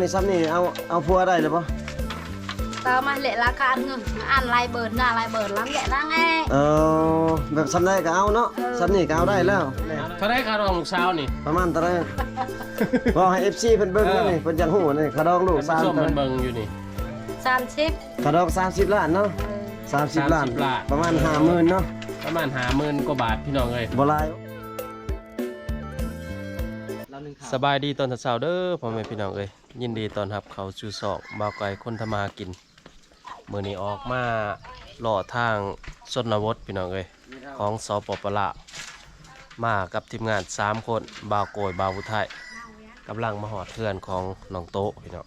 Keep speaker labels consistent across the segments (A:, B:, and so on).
A: นี่ซ้ำนี่เอาพัวได้หรือเปล่า
B: tao mà lệ lá can ngừng ăn lai bờn là lai bờn lắm vậy đó nghe
A: แบบซ้ำได้ก็เอาเนาะซ้ำนี่ก็เอาได้แล้ว
C: เท่าไรคารองลูกสาวนี่
A: ประมาณเท่าไหร่บอกให้ FC เพิ่นเบิ่งแล้วนี่เพิ่นจังฮู้นี่ขาดองลูก
C: ท่านผู้ชม
A: 3
C: มันเบิ่งอยู่นี่
B: 30
A: ขาดอง30ล้านเนาะ30ล้านประมาณ 50,000เนาะ
C: ประมาณ50,000กว่าบาทพี่น้องเอ้ย
A: บ่หลาย
C: สบายดีตอนเช้าเด้อพ่อแม่พี่น้องเอ้ยยินดีตอนรับเขาสู่สองบ่าวไก่คนทำมาหากินมื้อนี้ออกมาหล่อทางชนบทพี่น้องเอ้ยของสปปลาวมากับทีมงาน3คนบ่าวโกยบ่าวผู้ไทยกำลังมาหอดเพื่อนของน้องโตพี่น้อง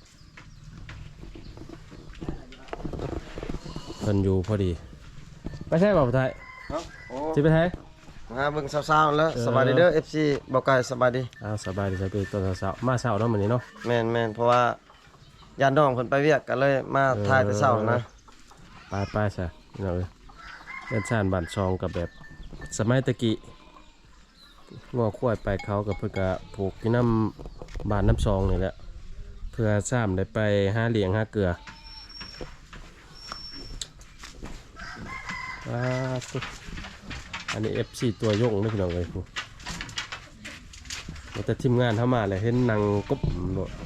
C: เพิ่นอยู่พอดีไปใช่บ่าวผู้ไทยสิไปไทย
A: มาเบิ่งสาวๆแล้วสบายดีเด้อ FC บ่ไกลสบายดี
C: สบายดีสบายดีตอนเช้ามาเช้าเนาะมื้อนี้เนาะ
A: แม่นเพราะว่าญาติน้องเพิ่นไปเวียกกันเลยมาถ่ายแต่เช้านะ
C: ไปซะพี่น้องเอ้ยเล่นชานบ้านซองกับแบบสมัยตะกี้งอควายไปเขากับเพื่อกะผูกที่น้ำบ้านน้ำซองนี่แหละเพื่อซ้ำได้ไปหาเหลียงหาเกลือตุ๊อันนี้ FC ตัวยงนี่พี่น้องเลยพูแต่ทีมงานเข้ามาเลยเห็นนางกบโนด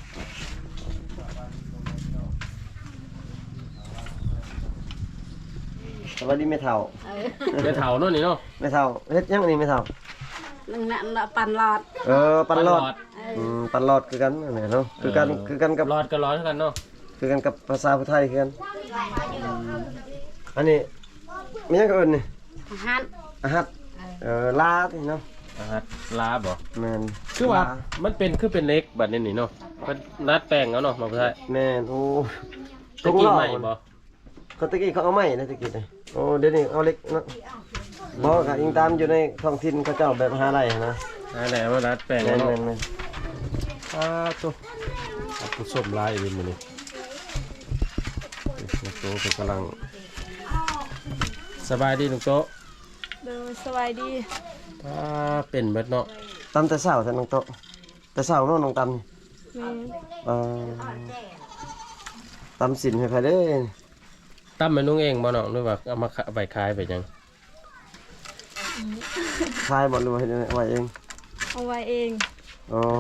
A: สวัสดีแม่เฒ่า
C: เดี๋ยวเถาโน่นนี่เนาะ
A: แม่เฒ่าเฮ็ดหยังนี่แม่เฒ่า
B: nâng nặng là bàn lọt
A: ปันรอดปันรอดคือกันนั่นแหละเนาะคือกันกับ
C: รอดก็ร้อนกันเนาะ
A: คือกันกับภาษาพุทธไทยคือกันอันนี้มีหยังก็เอิ้นนี่
B: hát
A: อาหัดลาที่เนาะ
C: ลาบ่
A: แม่น
C: คือว่ามันเป็นคือเป็นเล็กแบบนี้นี่เนาะมันนัดแป้งแล้วเนาะมาเพื่อ
A: แม่นโอ้
C: ตะกี้ใหม่บ่
A: เขาตะกี้เขาเอาไม้นะตะกี้นี่โอ้เดี๋ยวนี้เอาเล็กเนาะบ่ก็อิงตามอยู่ในท้องถิ่นเขาเจ้าแบบหาไรนะ
C: อะไรมานัดแป้ง
A: แม่
C: แล้ว
A: น
C: เนาะ
A: แม่น
C: ตัวผู้ชมลายอีกมื้อนี้ลูกโตเป็นกำลังสบายดีลูกโต
B: rồi soi đi
C: เป็นเบิดเนาะ
A: ตำแต่เช้าแต่น้องโตะแต่เช้าเนาะน้องตำนี่ตำสินให้ไผเด้
C: ตั้มเป็นนุ่งเองบ่เนาะหรือว่าเอามาไปขายไปยัง
A: คายบ่หรือว่าเฮ็ดไว้เอง
B: เอาไว้เอง
A: อ๋อ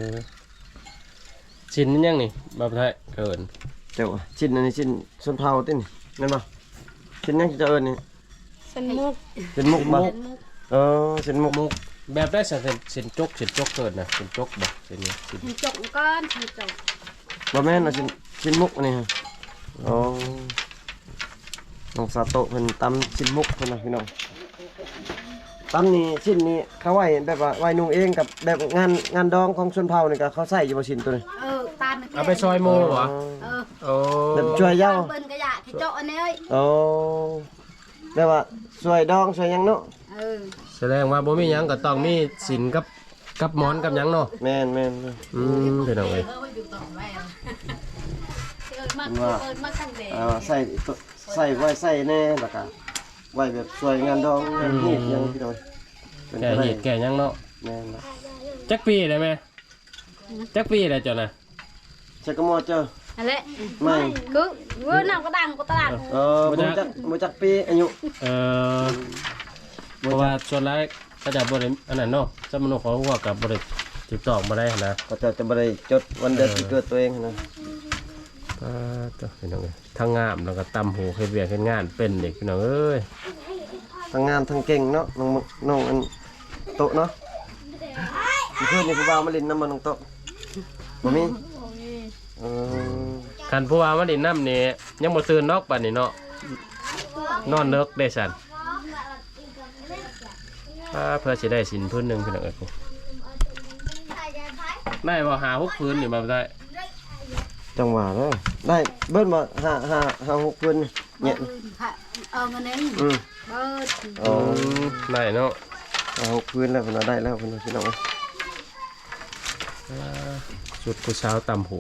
C: ชิ้นนี่ยังนี่บ่ไทยเกิน
A: เจ้าชิ้นอันนี้ชิ้นส้นเผาตินี่แม่นบ่ชิ้นยังจะเอิ้นนี่
B: เส้นมุก
A: ชิ้นมุกบ่ชิ้นมุก
C: มุกแบบได้สินจกเกิดนะสินจกบ่สินนี้สิน
B: เห็นจกก้อนเห็นจก
A: บ่แม่นชิ้นมุกอันนี้ฮะอ๋อน้องซาโตะเพิ่นตำชิ้นมุกเพิ่นน่ะพี่น้องตำนี่ชิ้นนี้เขาไว้แบบว่าไว้นุ่งเองกับแบบงานดองของชนเผ่านี่ก็เขาใส่อยู่บ่ชิ้นตัวนี้
B: ตาม
C: เอาไปซอยโมเหรอโอ้
A: แบบช่วยเหย้า
B: เปิ้นกระยะที่โจอันนี้เอ้ย
A: อ๋อแบบว่าช่วยดองช่วยหยังเนาะ
C: แสดงว่าบ่มีหยังก็ต้องมีสินกับหมอนกับหยังเนาะ
A: แม่น
C: พี่น้องเอ้ย
A: ใส่ไว้ใส่แน่แล้วก็ไว้แบบช่วยงานดองงานฮีดหยังพี่น้อง
C: แก่เหตุแก่หยังเนาะ
A: แม่นนะ
C: จักปีได้ไหมจักปีได้จ้ะนะ
A: ใช่ก็มอเจอ
B: อะไร
A: ไม่
B: cứ vừa nào có đằng có ta đằng
A: บ่จักปีอายุ
C: เพราะว่าส่วนแรกก็จะบริอันนั้นเนาะสมนุของหัวกับบริติดต่อมาได้นะ
A: ก็จะบ่ได้จดวันเดือนปีเกิดตัวเองนะ
C: ตัวพี่น้องเอ้ยทั้งงามแล้วก็ตำหูเฮ็ดเวียกเฮ็ดงานเป็นเด็กพี่น้องเอ้ย
A: ทั้งงามทั้งเก่งเนาะน้องอันโตะเนาะเพื่อนนี่ผู้บ่าวมาเล่นน้ำมันน้องโตะบ่มีเออ
C: คันผู้ว่ามาดินน้ำนี่ยังบ่ตื่นนอกบัดนี้เนาะนอนเลิกได้สั่นเพื่อสิได้สินพื้นหนึงพี่น้องเอ้ยได้บ่หา6พื้นนี่มาได้
A: จังหวะเลยได้เบิ้ลมาห้าหกพื้นเนี่ย
B: mình đến
A: อืม
B: bớt
A: อ๋อ
C: ได้เนาะ
A: ห้าหกพื้นแล้วคนเราได้แล้วคนเราพี่น้อง
C: ชุดผู้เช้าตำหู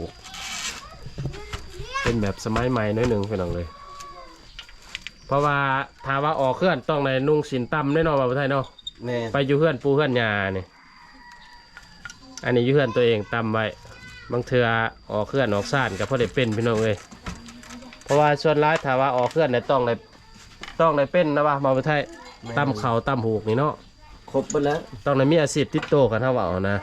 C: เป็นแบบสมัยใหม่น้อยหนึ่งพี่น้องเลยเพราะว่าถ้าว่าออกเคลื่อนต้องในนุ่งสินตำแน่นอนว่าประเทศไทยเนาะ
A: แม่
C: ไปอยู่เพื่อนปูเพื่อนยาเนี่ยอันนี้อยู่เพื่อนตัวเองตำไว้บางเทื่อออกเคลื่อนออกซ่านก็พอได้เป็นพี่น้องเอ้ยเพราะว่าส่วนร้ายถ้าว่าออกเคลื่อนเนี่ยต้องได้เป็นนะว่ามาประเทศตำเข่าตำหูกนี่เนาะ
A: ครบหมดแล้ว
C: ต้องได้มีอาชีพติดโตกันถ้าว่าเอานะ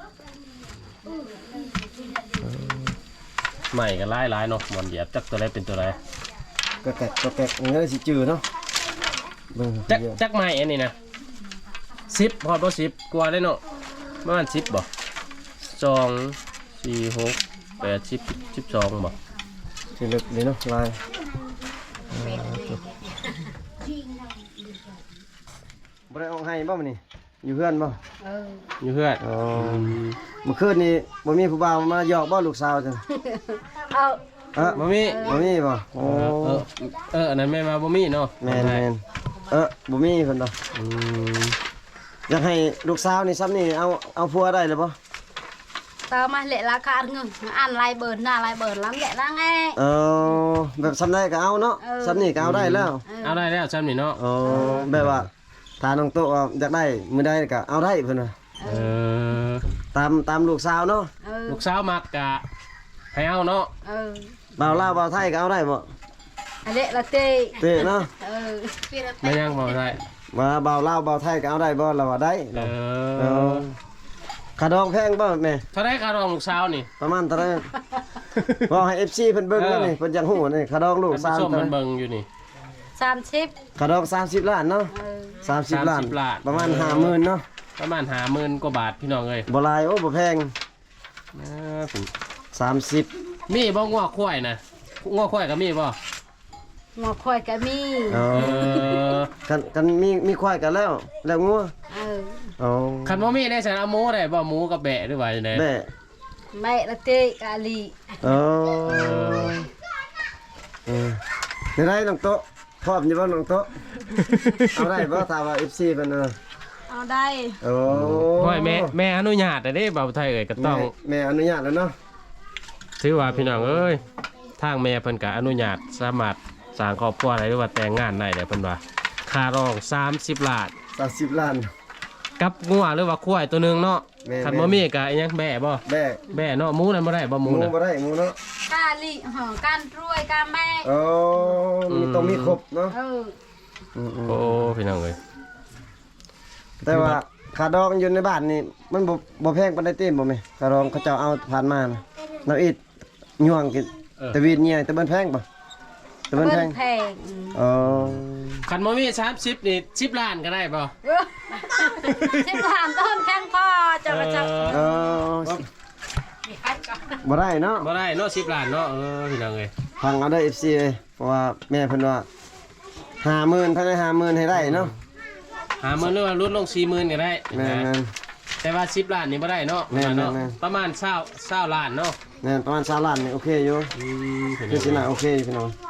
C: ใหม่กันหลายเนาะหมอนเหยียบจักตัวไหนเป็นตัวไหน
A: ก็แกะมันก็สิจืดเนาะเบิ่ง
C: จักใหม่อันนี้นะ10พอบ่10กว่าเลยเนาะประมาณ10บ่2 4 6 8 10 12บ่
A: สิลึกนี่เนาะลายบ่ได้เอาให้บ่มื้อนี้อยู่เพื่อนบ่
C: อยู่เพื่อน
A: อ๋อเมื่อคืนนี้บ่มีผู้บ่าวมาหยอกบ่ลูกสาวจัง
B: เอา
C: บ่มี
A: บ่มีบ่โอ้
C: อันนั้นแม่มาบ่มีเนาะ
A: แม่นบ่มีเพิ่นดอก
C: อืม
A: อยากให้ลูกสาวนี่ซ้ำนี่เอาผัวได้เลยบ่
B: tao mà lệ lá cá ngừng ăn lai bờn là lai bờn lắm vậy đó nghe
A: แบบซ้ำได้ก็เอาเนาะซ้ำนี่ก็เอาได้แล้ว
C: เอาได้แล้วซ้ำนี่เนาะ
A: แบบว่าถ้าน้องโตอยากได้มื้อใดก็เอาได้เพิ่นว่า
C: เออ
A: ตามลูกสาวเนาะ
C: ลูกสาวมักกะให้เอาเนาะ
A: บ่าวลาวบ่าวไทยก็เอาได้บ่
B: lệ là tê
A: เตะเนาะ
C: ไม่ยังบ่ได้
A: ว่าบ่าวลาวบ่าวไทยก็เอาได้บ่เราว่าได้
C: เออ
A: ค่าดองแพงบ่แม่
C: เท่าได้ค่ารองลูกสาวนี่
A: ประมาณเท่าไหร่บ่ให้ FC เพิ่นเบิ่งแล้วนี่เพิ่นจังฮู้นี่ค่าดองลูก
C: ท่าน
A: สาว
C: ผู้ชม
A: เท่า
C: มัน
A: ไหร่
C: เบิ่งอยู่นี่
B: 30
A: ค่าดอง30ล้านเนาะ30ล้าน
C: 30ล้าน
A: ประมาณ 50,000เนาะ
C: ประมาณ50,000กว่าบาทพี่น้องเอ้ย
A: บ่หลายโอ้บ่แพง
C: เออ
A: 30
C: มีบ่งัวควายนะงัวควายก็มีบ่
B: ngọt khoai cá mi
A: อ๋อ กันมีควายกันแล้วงัวอ๋อ
C: คันบ่มีได้ฉันเอาหมูได้บ่หมูกับแบะหรือว่าจังได๋
A: แม่
B: mẹ là tê cá lì
A: อ๋อเดี๋ยวได้น้องโต๊ะพร้อมอยู่บ่น้องโต๊ะเอาได้บ่ถ้าว่า FC เพิ่น
B: เอาได้
A: โอ้
C: ห้อยแม่อนุญาตได้บ่าวไทยเอ้ยก็ต้อง
A: แม่อนุญาตแล้วเนาะ
C: ถือว่าพี่น้องเอ้ยทางแม่เพิ่นก็อนุญาตสามารถสร้างครอบครัวได้หรือว่าแต่งงานได้เด้เพิ่นว่าค่ารอง30ล้าน
A: 30ล้าน
C: กับงัวหรือว่าควายตัวหนึงเนาะ
A: แม่
C: คันบ่มีก็อิหยังแบะบ่
A: แม่
C: แบะเนาะหมูนั่นบ่ได้บ่ห
A: ห
C: มู
A: มู
C: น่ะ
A: บ่ได้หมูเนาะ
B: cá lì hả can ruồi cá mẹ
A: อ๋อมีต้องมีครบเนาะ
C: โอ้พี่น้องเอ้ย
A: แต่ว่าค่าดองอยู่ในบ้านนี่มันบ่แพงปานใดเต็มบ่แม่ค่าดองเขาเจ้าเอาผ่านมานะเราอิดย่วงกินแต่วีดเนี่ยแต่มันแพงป่ะแต่มันแพง
B: แพง
A: อ๋อ
C: คันบ่มี30นี่10ล้านก็ได้บ่
B: ชิมถามต้นแข้งพ่อจะมาจับ
A: เออบ่ได้เนาะ
C: บ่ได้เนาะ10ล้านเนาะพี่น้องเอ้ย
A: ฟังเอาได้ FC เลยเพราะว่าแม่เพิ่นว่า50,000ภายใน50,000ให้ได้เนาะ
C: 50,000หรือว่าลดลง40,000ก็ได้
A: แม่น
C: แต่ว่า10ล้านนี่บ่ได้เนาะ
A: แม่น
C: เนาะ
A: แม่น
C: ประมาณ20ล้านเนาะ
A: ๆแม่นประมาณ20ล้านนี่โอเคอยู่
C: พี่
A: คือสิ
C: น้
A: น่า
C: อง
A: โอเคอยู่พี่น้อง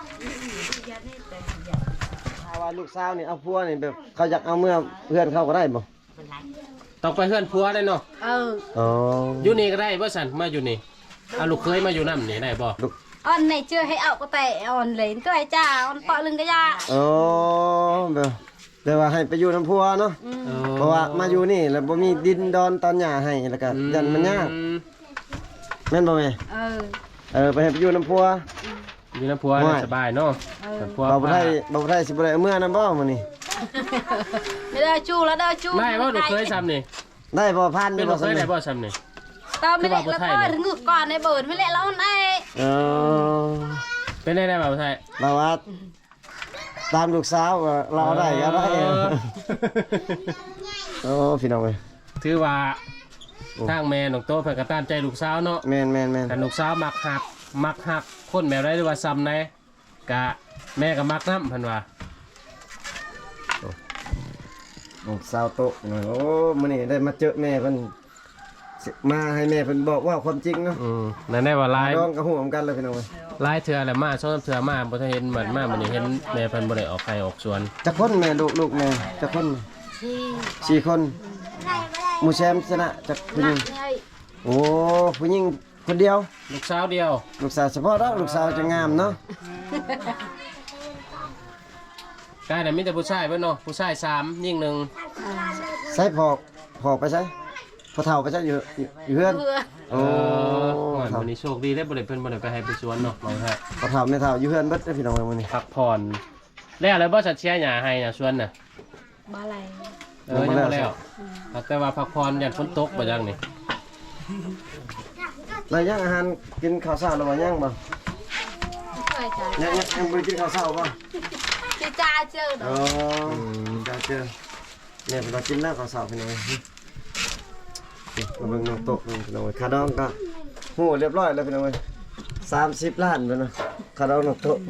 A: ถ้าว่าลูกสาวนี่เอาผัวนี่แบบเขาอยากเอาเมื่อเพื่อนเขาก็ได้บ่
C: ต้องไปเฮือนผัวได้เนาะ
A: อ๋อ
C: อยู่นี่ก็ได้บ่ซั่นมาอยู่นี่เอาลูกเคยมาอยู่นำนี่ได้บ่
B: on này chưa hay ảo có tệ on lấy cái chà on pọ lưng cái da
A: อ๋อแบบแต่ว่าให้ไปอยู่น้ำพัวเนาะ เพราะว่ามาอยู่นี่แล้วบ่มีดินดอนตอนหญ้าให้แล้วก็ยันมันยากแม่นบ่แม่ไปให้ไปอยู่น้ำพัว
C: อยู่นำผัวน่ะสบายเนาะผัว
A: บ่ได้สิบ่ได้เอามื่อนํบ่มื้อนี้
B: bây giờ chu là đâu chu
C: ได้บ่ลูกเคยซ้ำนี่
A: ได้บ่พัน
C: เป็น
A: บ่
C: ลูกเค
A: ซั่น
C: ยได้
A: นี่
C: บ่ซ้ำนี่
B: tao mới lại là tao ngược còn này bờn mới lại là on này
A: เออ
C: เป็นได้บ่าวไทย
A: บ่ว่าตามลูกสาวว่าเราได้ก็ได้โอ้พี่น้องเอ้ย
C: ถือว่าทางแม่น้องโตเพิ่นก็ตามใจลูกสาวเนาะ
A: แม่น
C: แต่ลูกสาวมักหักคนแบบได้หรือว่าซ้ำไหนกะแม่ก็มักน้ำเพิ่นว่า
A: ลูกสาวโตโอ้มื้อนี้ได้มาเจอแม่เพิ่นมาให้แม่เพิ่นบอกว่าความจริงเนาะ
C: นั่นได้ว่าลาย
A: น้องก็ฮู้เหมือนกันเลยพี่น้องเอ้ย
C: ลายเถื่อแหละมาซ้อมเถื่อมาบ่ทันเห็นเหมือนมามื้อนี้เห็นแม่เพิ่นบ่ได้ออกไข่ออกสวน
A: จักคนแม่ลูกแม่จักคน
B: thì
A: 4 คนหมู่แชมป์ชนะจักผู้หญิง
B: nặng này
A: โอ้ผู้หญิงคนเดียว
C: ลูกสาวเดียว
A: ลูกสาวเฉพาะแล้วลูกสาวจะงามเนาะ
C: กายน่ะมีแต่ผู้ชายเบิดเนาะผู้ชาย3ยิ่ง1
A: ใส่พอกไปใส่พอเฒ่าไปใส่อยู่เฮือน
B: vừa
A: โอ้เฒ่า
C: วันนี้โชคดีได้บ่ได้เพิ่นบ่ได้ไปให้ไปสวนเนาะบ่ฮะ
A: พ่อเฒ่าแม่เฒ่าอยู่เฮือนเบิดเด้อพี่น้องเอ้ยมื้อนี้
C: พักผ่อนแล้วอะไรบ่สัตว์เชียร์หญ้าให้น่ะสวนน่ะ
B: บ่อะไร
C: ยังบ่แล้วแต่ว่าพักผ่อนยันฝนตกบ่จังนี่
A: แล้วยังอาหารกินข้าวเช้าแล้วบ่ยังบ่
B: เคยจ่าย
A: ยังบ่ได้กินข้าวเช้าบ่
B: จะจ่ายเจอ
A: อ๋อจ้าเจอเนี่ยเรากินแล้วข้าวเช้าพี่น้องเอ้ยมาเบิ่งน้องโต๊ะน้องพี่น้องเอ้ยค่าดองก็ฮู้เรียบร้อยแล้วพี่น้องเอ้ย30 ล้านเพิ่นน่ะค่าดองน้องโต๊ะ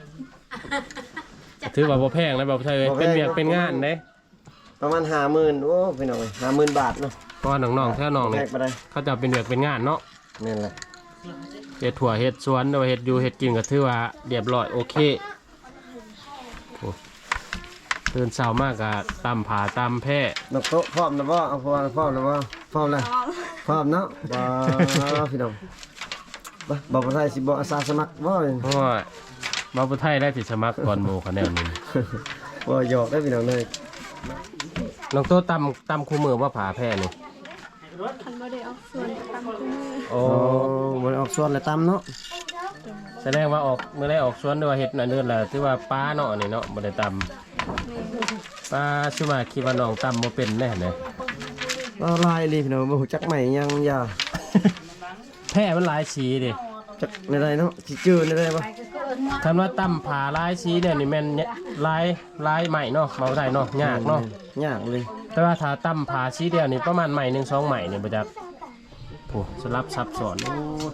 C: ถือว่าบ่แพงนะบ่ใช่เว้ย
A: บ่แพง
C: เป็นเวียกเป็นงานเด้
A: ประมาณ 50,000โอ้พี่น้องเอ้ย50,000 บาทเนาะ
C: เพราะว่าน้องๆแท้น้องนี่
A: แพงไปได้
C: เขาจะเป็นเวียกเป็นงานเนาะ
A: นี่แหละ
C: เฮ็ดถั่วเฮ็ดสวนหรือว่าเฮ็ดอยู่เฮ็ดกินก็ถือว่าเรียบร้อยโอเคโอ้ตื่นเช้ามากก็ตำผาตำแพะ
A: น้องโต๊ะพร้อมแล้วบ่เอาพร้อมแล้วบ่พร้อมแล้วพร้อมเนาะบ่พี่น้องบ่บ่ไทยสิบ่อาสาสมัครบ่
C: เพราะว่ามาบุไทยได้สิสมัครก่อนหมู่คะแนนนี้
A: บ่หยอกได้พี่น้องเลย
C: น้องโตตำคู่มือว่าผาแพะนี่
B: คันบ่ได้ออกส่วนตามมือ
C: โอ้
A: บ่ได้ออกสวนเลยตำเนาะ
C: แสดงว่าออกเมื่อได้ออกสวนด้วยว่าเฮ็ดนั่นเดือนละถือว่าป้าเนาะนี่เนาะบ่ได้ตำป้าชื่อว่าคิดว่าน้องตำบ่เป็นแน่เนี่ย
A: บ่ลายเลยพี่น้องบ่ฮู้จักใหม่ยังยา
C: แพะมันหลายสีดิ
A: จักในใดเนาะสิจื้อในใดบ่
C: คันว่าตำผาหลายสีเนี่ยนี่แม่นหลายใหม่เนาะมาบ่ได้เนาะยากเนาะ
A: ยากเลย
C: แต่ว่าถ้าตำผาสีเดียวนี่ประมาณใหม่หนึ่งสองใหม่นี่บ่จักโอ้สลับซับซ้อนโอ้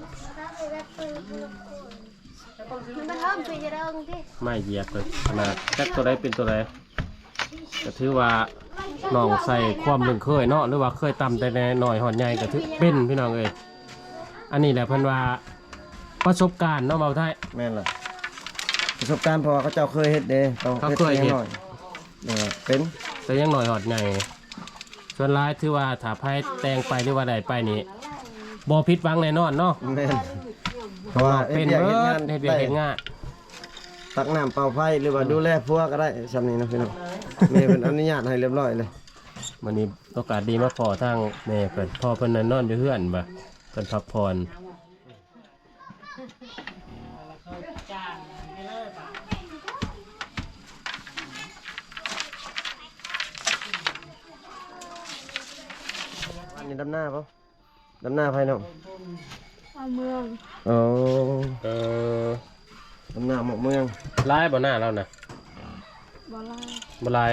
B: มันเริ่มสิจะเริ่มที่
C: ไม่เหยียบเลยขนาดจักตัวใดเป็นตัวใดก็ถือว่าน้องใส่ความหนึ่งเคยเนาะหรือว่าเคยตำแต่น้อยหอดใหญ่ก็ถือเป็นพี่น้องเอ้ยอันนี้แหละเพิ่นว่าประสบการณ์เนาะเบาไทย
A: แม่นล่ะประสบการณ์พอเขาเจ้าเคยเฮ็ดเด้ต้อง
C: เขาเคยเฮ็ด
A: หน่อยเป็น
C: แต่ยังหน่อยหอดใหญ่ส่วนร้ายถือว่าถ้าไพ่แต่งไปหรือว่าใดไปนี่บ่ผิดหวังแน่นอนเนาะ
A: แม่นเพราะว่า
C: เป็น
A: ฮ็ด
C: เบิ
A: วียก
C: ดเฮ็ดเวียกเฮ็ดงาน
A: ตักน้ำเป่าไฟหรือว่าดูแลพัวก็ได้ซำนี้นะพี่น้องแม่เพิ่นอนุญาตให้เรียบร้อยเลย
C: วันนี้โอกาสดีมาพอทางแม่เพิ่นพ่อเพิ่นนั่นนอนอยู่เฮือนบ่เพิ่นพักผ่อน
A: อันนี้ดำหน้าป่ะดำหน้าไฟน้อง
B: เอาเมือง
A: โอ้
C: เออ
A: ดำหน้าหมกเมือง
C: ลายบ่หน้าเราน่ะ
B: บ่ลา
C: บ่ลาย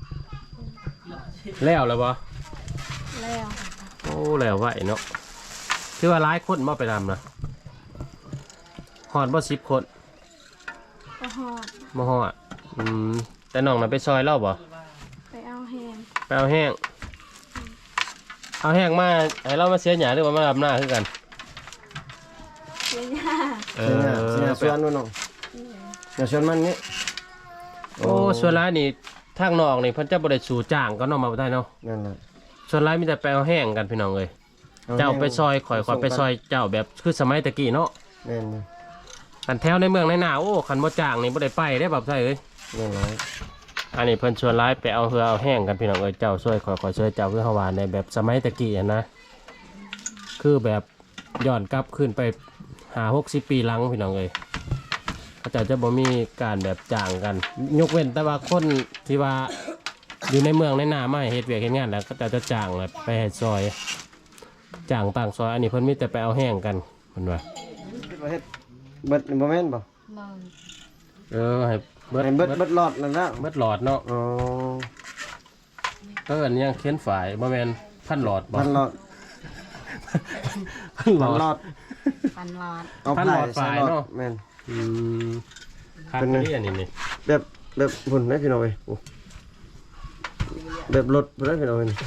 C: แล้วบ่
B: แล้ว
C: โอ้แล้วไหวเนาะคือว่าหลายคนมาไปทำนะฮอดบ่10 คน
B: ก็หอด
C: บ่ฮอดแต่น้องน่ะไปซอยเล่าบ่
B: ไปเอาแฮม
C: ไปเอาแห้งเอาแห้งมาให้เรามาเสียหยาหรือว่ามารับหน้าคือกัน
B: เสียยา
C: เอ
A: เสียสวนนู่นน้องเสียสวนมันนี่
C: โอ้ส่วนร้ายนี่ทางนอกนี่เพิ่นจะบ่ได้สู่จ้างก็น้องมาบ่ได้เนาะ
A: นั่นแหละ
C: ส่วนร้ายมีแต่ไปเอาแห้งกันพี่น้องเอ้ยเจ้าไปซอยข่อยไปซอยเจ้าแบบคือสมัยตะกี้เนาะ
A: แม่น
C: กันแถวในเมืองในหน้าโอ้คันบ่จ้างนี่บ่ได้ไปได้แบบไสเอ้ย
A: แม่นหลาย
C: อันนี้เพิ่นชวนร้ายไปเอาเหือเอาแห้งกันพี่น้องเอ้ยเจ้าช่วยข่อยช่วยเจ้าคือเฮาว่าในแบบสมัยตะกี้อะนะคือแบบย้อนกลับขึ้นไป50-60 ปีหลังพี่น้องเอ้ยเขาเจ้าจะบ่มีการแบบจ้างกัน ยกเว้นแต่ว่าคนที่ว่าอยู่ในเมืองในหน้ามาให้เฮ็ดเวียกเฮ็ดงานแล้วก็จะจ้างแบบไปให้ซอยจ้างต่างซอยอันนี้เพิ่นมีแต่ไปเอาแห้งกันเพิ่นว่า
A: เฮ็ดเบิดบ่แม่นบ่
B: เมือง
C: ให้เบิด
A: ให้เบิดหลอดนั่นแล้ว
C: เบิดหลอดเนาะ
A: อ๋อ
C: ก็อันนี้ยังเขียนฝ่ายบ่แม่นพันหลอดบ่
A: พันหลอด
C: พันหล
A: พัน
C: อด
A: หลอด
B: ปันหลอด
A: เอา
C: พันหลอด
A: ใส่
C: ฝ่าย
A: หลอด
C: เนาะ
A: แม่น
C: คัน
A: เป็นไง
C: นี้อันนี้นี่
A: แบบหุ่นได้พี่น้องเอ้ยโอ้แบบรถบ่ได้พี่น้องเอ้ย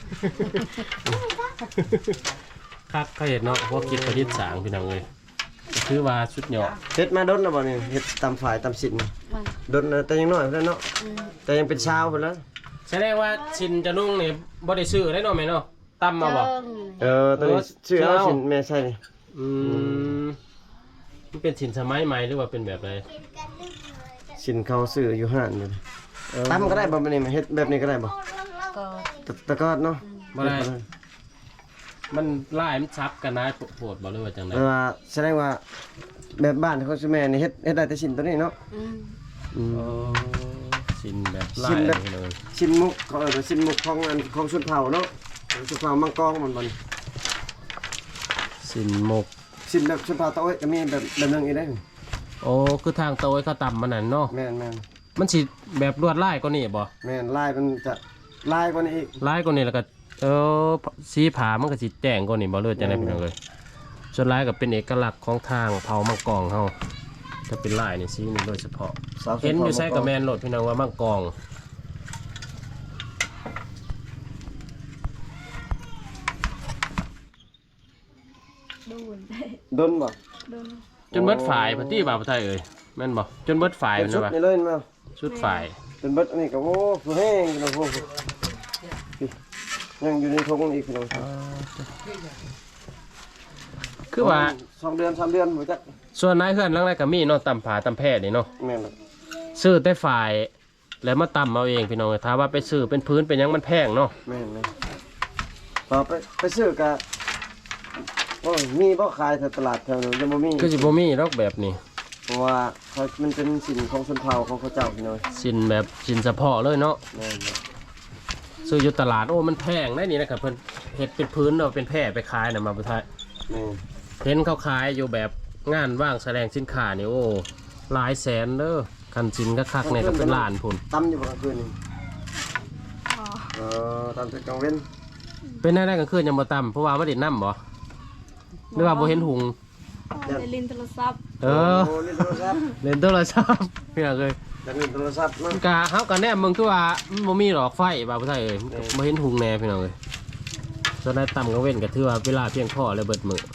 C: คักเขาเห็นเนาะพวกคิดประดิษฐ์สร้างพี่น้องเอ้ยก็คือว่าชุดเหยาะ
A: เฮ็ดมาดนแล้วบ่นี่เฮ็ดตามฝ่ายตามสิน
B: มัน
A: ดนแต่ยังน้อยเพิ่นเนาะแต่ยังเป็นชาวเพิ่นแล้ว
C: แสดงว่าชินจะนุ่งนี่บ่ได้ซื้อได้เนาะแม่เนาะตำมาบ่
A: ตัวนี้ชื่อเอาสินแม่ใช่นี่
C: อืมมันเป็นสินสมัยใหม่หรือว่าเป็นแบบไร
A: สินเขาซื้ออยู่ห้านอยู่ตำก็ได้บ่บัดนี้เฮ็ดแบบนี้ก็ได้บ่
B: ก็
A: ตะกอดเนาะ
C: บ่ได้มันลายมันซับกันนะโหดบ่เลยว่าจังได๋
A: แต่ว่าแสดงว่าแบบบ้านของซุแม่นี่เฮ็ดได้แต่ชิ้นตัวนี้เนาะ
C: ชิ้นแบบลา
A: ชิ้
C: ย
A: นแบบ
C: เลย
A: ชิ้นมุกเขาว่าชิ้นมุกของอันของชนเผ่าเนาะชนเผ่ามังกรมัน
C: ชิ้นหมก
A: ชิ้นแบบชนเผ่าตะโอ้ยก็มีแบบนึงอีกได้
C: โอ้คือทางโตยเขาตำมันนั่นเนาะ
A: แม่น
C: มันสิแบบลวดลายกว่านี้บ่
A: แม่นลายมันจะลายกว่านี้อีก
C: ลายกว่านี้แล้วก็สีผามันก็สิแจ้งกว่านี้บ่เลยจังได๋พี่น้องเอ้ยส่วนลายก็เป็นเอกลักษณ์ของทางเผ่ามังกรเฮาถ้าเป็นลายนี่สีนี่โดยเฉพาะเห็นอยู่ใส่กับแม่นโลดพี่น้องว่ามังกร
A: ดนบ่
C: จนเบิดฝ่ายพันที่บ่าวไทยเอ้ยแม่นบ่จนเบิดฝ่าย
A: เป็น
C: มัน
A: ชุด
C: นะบ่
A: นี่เลยมา
C: ชุดฝ่าย
A: เป็นเบิดอันนี้ก็โอ้ผู้แห้งพี่น้องพวกยังอยู่ในทงอีกพี่น้อง
C: คือว่า
A: 2 เดือน 3 เดือนบ่จัก
C: ส่วนนายเฮือนหลังไรก็มีเนาะตำผาตำแพทย์นี่เนาะ
A: แม่นล่ะ
C: ซื้อแต่ฝ่ายแล้วมาตำเอาเองพี่น้องถ้าว่าไปซื้อเป็นพื้นเป็นหยังมันแพงเนาะ
A: แม่นพอไปซื้อก็โอ้ยมีบ่ขายแถวตลาดแถวนั้นจะบ่มี
C: คือสิบ่มีดอกแบบนี้
A: เพราะว่ามันเป็นสินของชนเผ่าของเขาเจ้าพี่น้อย
C: สินแบบสินเฉพาะเลยเนาะ
A: แม่น
C: ซื้ออยู่ตลาดโอ้มันแพงได้นี่นะครับเพิ่นเฮ็ดเป็นพื้นเอาเป็นแพร่ไปขายน่ะมาบ่ไทย
A: แม่น
C: เห็นเขาขายอยู่แบบงานว่างแสดงสินค้านี่โอ้หลายแสนเด้อคันสินก็คักเนี่ยก็เป็นล้านพุ่น
A: ตำอยู่บ่กลางคืนนี่ตำแต่กลางเว้น
C: เป็นได้กลางคืนยังบ่ตำเพราะว่าบ่ได้น้ำบ่หรือว่าบ่เห็นหุง
B: ได้ลินโทรศัพท์
C: เออ
A: โอ้เล่นโทรศัพท์
C: เล่นโทรศัพท์พี่น้องเอ้ย
A: อยากเล่นโทรศัพท์เนาะ
C: กะเฮาก็แนมมึงคือว่ามันบ่มีหรอกไฟบ่าวผู้ไทยเอ้ยบ่เห็นหุงแน่พี่น้องเอ้ยส่วนได้ต่ำกลางเว้นก็ถือว่าเวลาเพียงพอเลยเบิดมื้อ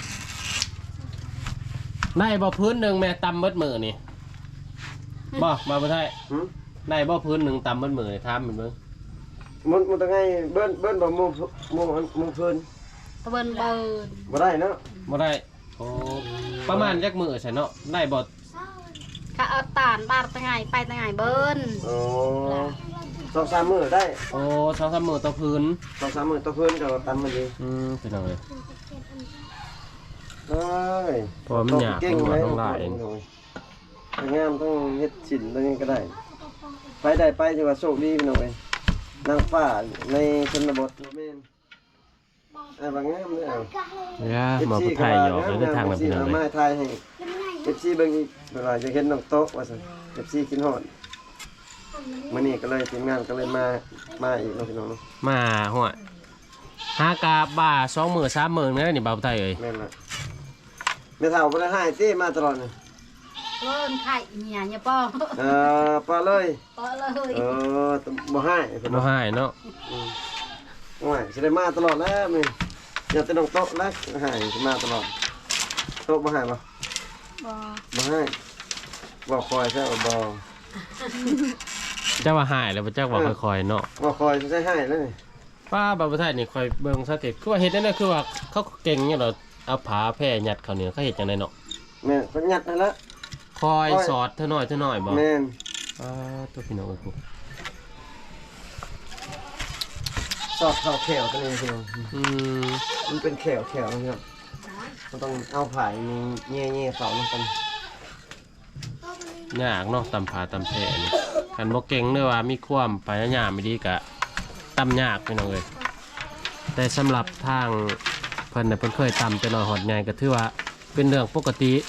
C: ได้บ่พื้นหนึงแม่ตำเบิดมื้อนี่บ่บ่าวผู้ไทย
A: หึ
C: ได้บ่พื้นหนึงตำเบิดมื้อนี่ถามมันเบิ่ง
A: มันต้องไงเบิ้นบ่หมู่เพิ่น
B: ตะเบินเบิน
A: บ่ได้เนาะ
C: บ่ได้โอ้ประมาณจักมื้อใช่เนาะได้บ่
B: ข้าเอาตานบาดตะไงไปตะไงเบิน
A: โอ้2-3 มื้อได้
C: โอ้2-3มื้อต่อพื้น
A: 2-3 มื้อต่อเพิ่นก็ตำมันดี
C: พี่น้องเอ้ย
A: เอ้ย
C: เพราะว่ามันยาก
A: เก่ง
C: มัน
A: เลย
C: ต้องหลาย
A: งามต้องเฮ็ดสินตัวนี้ก็ได้ ไปได้ไปถือว่าโชคดีพี่น้องเอ้ยนางฟ้าในชนบทแม่นบางงามเลยเอา
C: ย่ามาผู้ไทยหยอกเลยเดินทางแบบพี่น้องเลย
A: มาไทยให้ FC เบิ่งอีกเวลาจะเห็นน้องโต๊ะว่าซั่น FC กินฮอดมื้อนี้ก็เลยทีมงานก็เลยมาอีกเนาะพี่น้องเนาะ
C: มาหัวหากาบ่า2มื้อ3มื้อนี่นี่บ่าวผู้ไทยเอ้ย
A: แม่นล่ะแม่เฒ่าบ่ได้ให้ติมาตลอดนี่
B: เบินไข่เนี่ยป้อ
A: ปลาเลย
B: ป้อเลย
A: บ่ให้เพิ่น
C: บ่
A: เนาะ
C: ให้เนาะ
A: โอ้ยสิได้มาตลอดแล้วมื้ออย่าแต่น้องโต๊ะนะให้สิมาตลอดโต๊ะบ่ให้บ่
B: บ่
A: บ่ให้บ่คอยซะบ่
C: เจ้าว่าให้แล้วบ่จักว่าค่อยๆเนาะ
A: บ่คอยใช้ให้เลย
C: ป้าบ่าวผู้ไทยนี่ค่อยเบิ่งสเต็ปคือว่าเฮ็ดได้น่ะคือว่าเขาเก่งเนี่ยเหรอเอาผาแพร่ยัดเขาเนี่ยเขาเฮ็ดจังไดเนาะ
A: แม่นเพิ่นยัดนั่นละ
C: คอยสอดเท่าน้อยบ่
A: แม่น
C: ตัวพี่น้องเอ้ยกู
A: สอดเข้าแขวตัวนี้พี่น้อง
C: ม
A: มันเป็นแขวนะครับมันต้องเอาผายมีแง่ๆเสาลงกัน
C: ยากเนาะตำผาตำแพร่นี่คันบ่เก่งเด้อว่ามีความพยายามไม่ดีก็ตำยากพี่น้องเอ้ยแต่สำหรับทางเพิ่นน่ะเพิ่นเคยตำแต่น้อยหอดใหญ่ก็ถือว่าเป็นเรื่องปกติ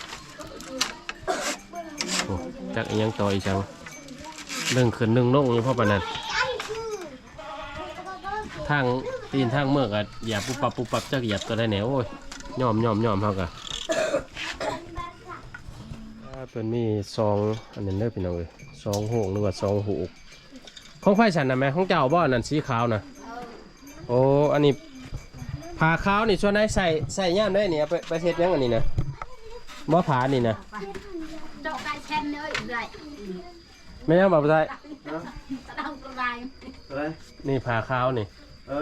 C: โอ้จักอีหยังต่ออีกจังเรื่องขึ้นเรื่องลงอยู่เพราะปานนั้นทางตีนทางเมือกอะอย่าปุ๊บปับจักเหยียบตัวได้แหนโอ้ยยอมเฮาก็เพิ่นมี2อันนั้นเด้อพี่น้องเอ้ย2โหงหรือว่า2หูกของไฟฉันน่ะแม่ของเจ้าบ่อันนั้นสีขาวน่ะโอ้อันนี้ผ้าขาวนี่ส่วนไหนใส่ย่ามได้นี่เอาไปเฮ็ดหยังอันนี้นะบ่ผ้านี่นะ
B: เจ้าไก่เช่นเนื้ออีกเลย
C: แม่ยังบ่ได้
B: ตะดำกระไร
A: อะไร
C: นี่ผ้าขาวนี่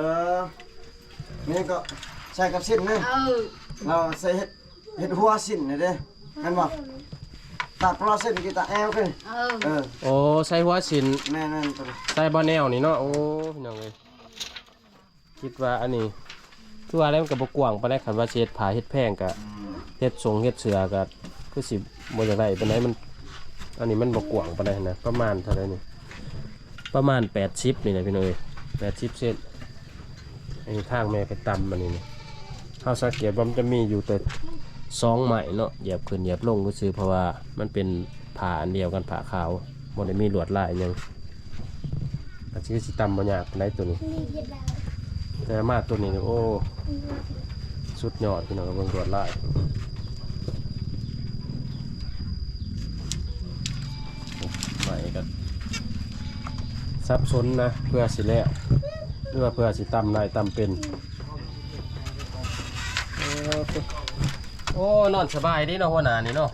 A: นี่ก็ใส่กับสิ้นนะเราใส่เห็ดหัวสิ้นนี่เด้เห็นบ่ตัดปลาสิ้นกี่ตาแอลขึ้น
C: โอ้ใส่หัวสิน
A: แม่นตัว
C: ใส่บ่แนวนี่เนาะโอ้พี่น้องเอ้ยคิดว่าอันนี้คือว่าแล้วมันก็บ่กว้างปานใดคันว่าสิเฮ็ดผาเฮ็ดแพงก็เฮ็ดทรงเฮ็ดเสือก็คือสิบ่จังได๋ปานใดมันอันนี้มันบ่กว้างปานใดนะประมาณเท่าใดนี่ประมาณ80นี่นะพี่น้องเอ้ย80เซนอันนี้ทางแม่ไปตำมันนี่เฮาสังเกตว่ามันจะมีอยู่แต่2ไม้เนาะเหยียบขึ้นเหยียบลงก็คือเพราะว่ามันเป็นผาอันเดียวกันผาขาวบ่ได้มีลวดลายหยังก็สิตำบ่ยากปานใดตัวนี้แต่มาตัวนี้โอ้สุดยอดพี่น้องเบิ่งลวดลายใหม่ก็ซับซ้อนนะเพื่อสิแล้วหรือว่าเพื่อสิตำนายตำเป็นโอ้นอนสบายดีเนาะหัวหน้านี่เนาะ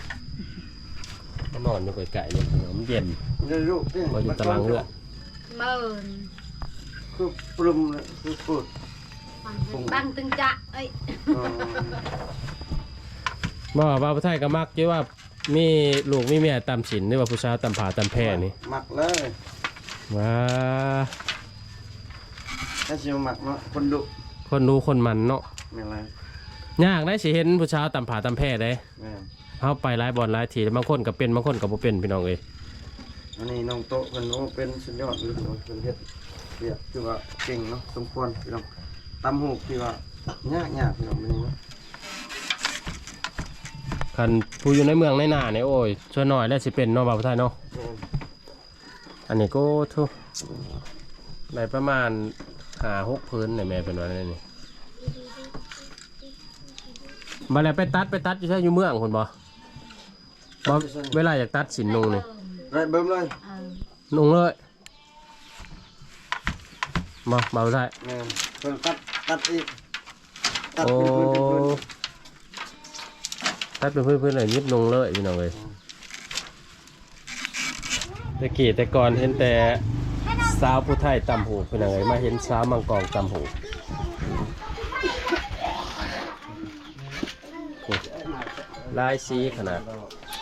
C: นอนอยู่ไกลๆนี่มันเย็น
A: ได้ลูกนี่
C: บ่อยู่ตารางเลือด
B: เมิน
A: คือปรุงเลยคือพูด
B: บังตึงจะเอ้ย
C: บ่ว่าผู้ไทยก็มักอยู่ว่ามีลูกมีเมียตำศีลหรือว่าผู้ชายตำผาตำแพร่นี่
A: หมักเลย
C: ว้า
A: ถ้าชิมหมักเนาะคนดุ
C: คนดูคนมันเนาะ
A: ไม่ไร
C: ยากได้สิเห็นผู้ชายตำผาตำแพร่ได้
A: แม่
C: เฮาไปหลายบ่อนหลายทีบางคนก็เป็นบางคนก็บ่เป็นพี่น้องเอ้ย
A: อันนี้น้องโต๊ะเพิ่นโอ้เป็นสุดยอดเลยเนาะเพิ่นเฮ็ดเรียกคือว่าเก่งเนาะสมควรพี่น้องตำหูกที่ว่ายากพี่น้องมันนี่เนาะ
C: คันผู้อยู่ในเมืองในหน้าเนี่ยโอ้ยช่วยหน่อยแล้วสิเป็นเนาะบ่าวผู้ไทยเนาะ
A: แม่
C: อันนี้ก็ทุได้ประมาณ5-6พื้นเนี่ยแม่เป็นว่านั่นนี่มาแล้วไปตัดอยู่ใช่อยู่เมืองคนบ่เวลาอยากตัดสินนุงนี่
A: ไรเบิ่มเลย
C: นุงเลยมาบ่าวผู้ไทย
A: แม่เพิ่นตัดอีกตัด
C: โอ้
A: เป็นพื้น
C: ตัดเป็นพื้นๆเลยยิบนุงเลยพี่น้องเลยแต่กี้แต่ก่อนเห็นแต่สาวผู้ไทยตำหูพี่น้องเลยมาเห็นสาวมังกรตำหูลายสีขนาด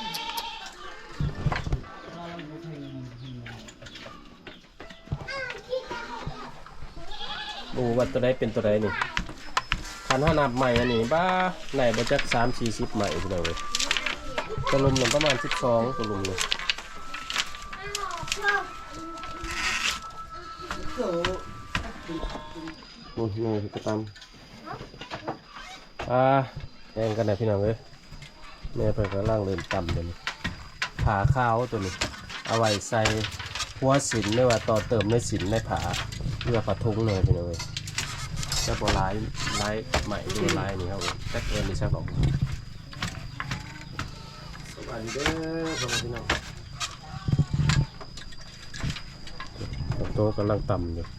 C: ดูว่าตัวใดเป็นตัวใดนี่คันห้านับใหม่อันนี้บ้าไหนบ่จัก30-40ใหม่พี่น้องเลยตัวลุมหนึ่งประมาณ12ตัวลุมเลย
A: นู่นนี่ก็ต
C: แข่งกันนะพี่น้องเลยแม่เพิ่นก็ล่างเริ่มต่ำเลยผาข้าวตัวนี้เอาไว้ใส่หัวสินหรือว่าต่อเติมในสินในผาเพื่อผาทุ้งเลยพี่น้องเลยจะบ่ลายใหม่ดูลายนี่ครับแจ็คเอ็นนี่ใช่ป่ะ
A: ำสวัสดีเด้อพี่น้อง
C: โต๊ะกำลังต่ำอยู่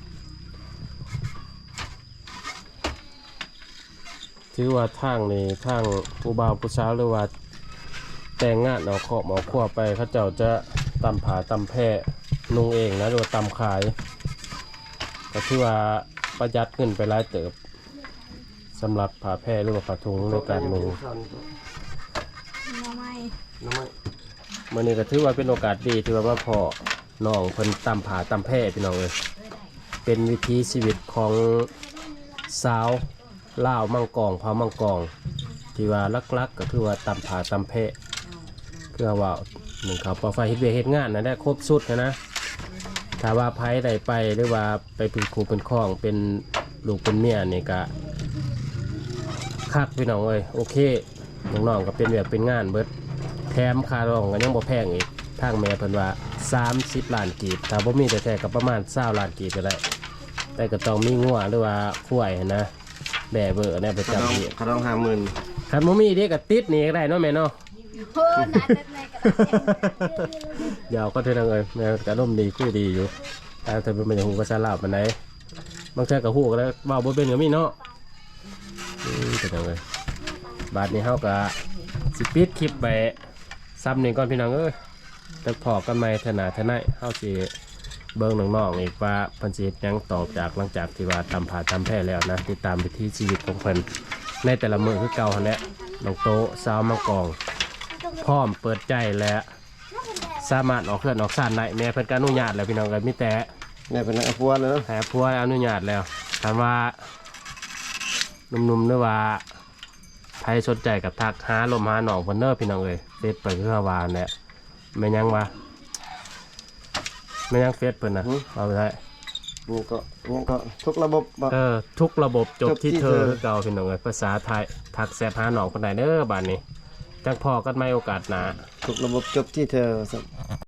C: ถือว่าทางนี้ทางผู้บ่าวผู้สาวหรือว่าแต่งงานเอาขอบเอาขั้วไปเขาเจ้าจะตำผาตำแพร่นุ่งเองนะหรือว่าตำขายก็ถือว่าประหยัดขึ้นไปหลายเติบสำหรับผ้าแพร่หรือว่าผ้าถุงในการนุ่ง
B: น้องไม่
A: น้ำมัน
C: มื่อนี้ก็ถือว่าเป็นโอกาสดีที่ว่าพ่อน้องเพิ่นตำผาตำแพร่พี่น้องเลยเป็นวิถีชีวิตของสาวลาวมังกรเผามังกรที่ว่าลักๆก็คือว่าตำผาตำแพร่คือว่าหนึ่งเขาปอไฟเฮ็ดเวียกเฮ็ดงานนะได้ครบสุดนะถ้าว่าไผได้ไปหรือว่าไปเป็นครูเป็นข้องเป็นลูกเป็นเมียนี่ก็คักพี่น้องเอ้ยโอเคน้องๆก็เป็นแบบเป็นงานเบิดแถมค่ารองก็ยังบ่แพงอีกทางแม่เพิ่นว่า30 ล้านกีบถ้าบ่มีแต่แท้ก็ประมาณ20 ล้านกีบก็ได้แต่ก็ต้องมีงัวหรือว่าควายนะแบ่เบอร์เนี่ยประจำที่
A: เขาต้อง50,000
C: คันบ่มีเด็กก็ติดนี่ก็ได้เนาะแม่เนาะ
B: เพิ่นน่าจะในกระดาษ
C: เดี๋ยวก็เท่านั้นเลยแม่ก็ร่มดีคุยดีอยู่แต่เธอเป็นอย่างหูภาษาลาวปานใดบางเทื่อก็ฮู้ก็ได้เว้าบ่เป็นก็มีเนาะเท่านั้นเลยบาดนี้เฮาก็สิปิดคลิปไปซ้ำนี่ก่อนพี่น้องเอ้ยแต่พอกันใหม่เถอะหน้าเถอะไหนเฮาสิเบิ่งน้องๆอีกว่าเพิ่นสิเฮ็ดหยังต่อจากหลังจากที่ว่าตำผาตำแพร่แล้วนะติดตามวิถีชีวิตของเพิ่นในแต่ละมื้อคือเก่าหั่นแหละน้องโตสาวมังกรพร้อมเปิดใจและสามารถออกเคลื่อนออกซ่านได้แม่เพิ่นก็อนุญาตแล้วพี่น้องก็มีแต่
A: แม่เป็นนักพัวเลยเนาะ
C: แห่พัวอนุญาตแล้วถามว่าหนุ่มๆเด้อว่าใครสนใจกับทักหาลมหาหนองเพิ่นเด้อพี่น้องเอ้ยเฟซไปคือว่าเนี่ยแม่นยังวะแม่นยังเฟซเพิ่นน่ะเอาไปได้
A: นี่ก็ทุกระบบบ่
C: ทุกระบบจบ
A: จบที่
C: ที่เธอ
A: เธอ
C: คือเก่าพี่น้องเอ้ยภาษาไทยทักแซบหาหนองเพิ่นได้เด้อบัดนี้จังพอกันใหม่โอกาสหน้า
A: ทุกระบบจบที่เธอ